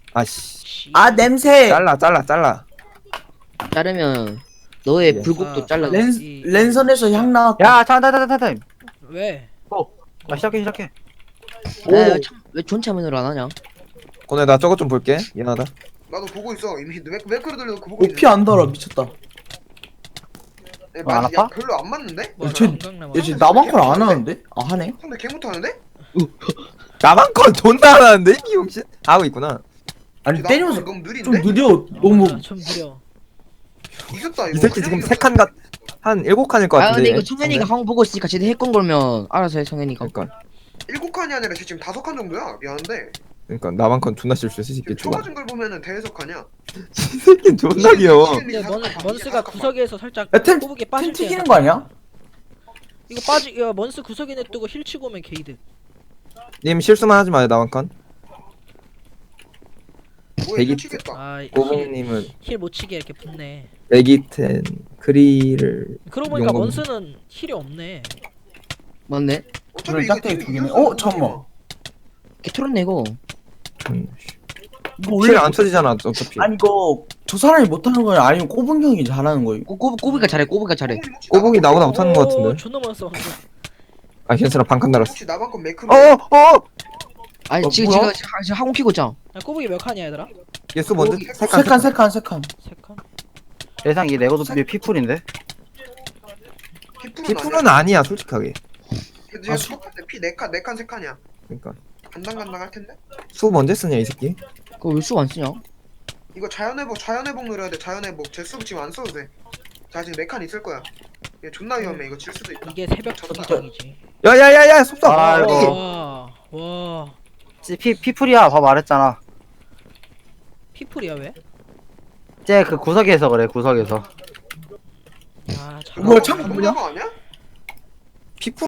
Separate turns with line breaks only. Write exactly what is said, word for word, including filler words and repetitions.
아씨.
씨.
아 냄새.
잘라 잘라 잘라.
자르면 너의
예.
불국도
아,
잘라.
랜
이-
랜선에서 향 나왔다.
야 타임 타임 타임 타임.
왜?
아 시작해 시작해.
오.
야, 참, 왜 존참면으로 안 하냐?
오늘 나 저것 좀 볼게. 미안하다.
나도 보고 있어. 이미 맥 맥크로 돌려놓고 보고 있네.
오피 안 달아 미쳤다.
야,
어, 안
맞- 야,
아파?
별로 안 맞는데?
뭐
쟤-
건강
얘 지금 나만 걸 안 하는데? 아 하네.
상대 개 못하는데?
나만 건 존나 안 하는데 미용실 하고 있구나.
아니
나
때리면서
너무 느린데?
좀 느려. 너무.
좀 느려.
이겼다
이
이거.
새끼 지금 세 칸 같, 한 일곱 칸일 것
아 근데
같은데.
이거 성현이가 항 보고 있으니까 쟤네 핵건 걸면 알아서 해 성현이가.
그러니까
일곱 칸이 아니라 지금 다섯 칸 정도야. 미안한데.
그러니까 나만 건 존나 실수했어 이 새끼
지금
좋아.
쳐맞은 걸 보면은 대여섯 칸이야.
이 새끼 존나 귀여워.
근데 먼 먼스가 구석에서 살짝
야, 템-
꼬부게
템
빠질 때
튀기는
약간
거 아니야?
이거 빠지 야 먼스 구석에 냅두고 힐 치고 오면 게이드.
님 실수만 하지 마요 나만 건.
뭐야
대기-
미치겠다.
고봉님은
아힐못 치게 이렇게 붙네.
레기텐 크리를
그러고 보니까
용검.
먼스는 힐이 없네.
맞네.
어차피
그래,
이거
짝대기
지금
두 개네.
이겼어.
어, 잠깐만.
걔 털었네 이거.
음,
이거 원래
킬안 쳐지잖아 어차피.
아니 이거 저 사람이 못하는 거야 아니면 꼬분 형이 잘하는 거야?
꼬, 꼬, 꼬부기가 잘해 꼬부기가 잘해.
꼬북이 혹시
꼬북이
나만
나보다
건-
못하는 것
오,
같은데.
존나 많았어.
아 괜찮아 반칸 달았어.
혹시 나만 건 매크로?
어어
아니
어,
지금
뭐야?
지금 지금 학원 키고 있잖아.
야 꼬부기 몇 칸이야 얘들아?
예수 뭔데?
꼬북이
세 칸.
세 칸 세 칸 세 칸.
세 칸?
예상 이 레고도 피풀인데.
피프는 아니야 솔직하게.
지금
아,
수... 피네 칸, 네 칸, 세 칸이야.
그러니까
간당간당 할 텐데.
수 언제 쓰냐 이 새끼.
그거 왜 수 안 쓰냐?
이거 자연회복, 자연회복 누려야 돼. 자연회복. 제수 지금 안 써도 돼. 자 지금 네 칸 있을 거야. 얘 존나 위험해. 이거 질 수도 있다.
이게 새벽 전장이지.
야야야야 속삭.
아이고.
와, 와,
피 피풀이야. 봐 말했잖아.
피플이야 왜?
쟤 그 구석에서 그래 구석에서.
아, 잘.
뭐야, 창 뭐냐?
거 아니야?
피프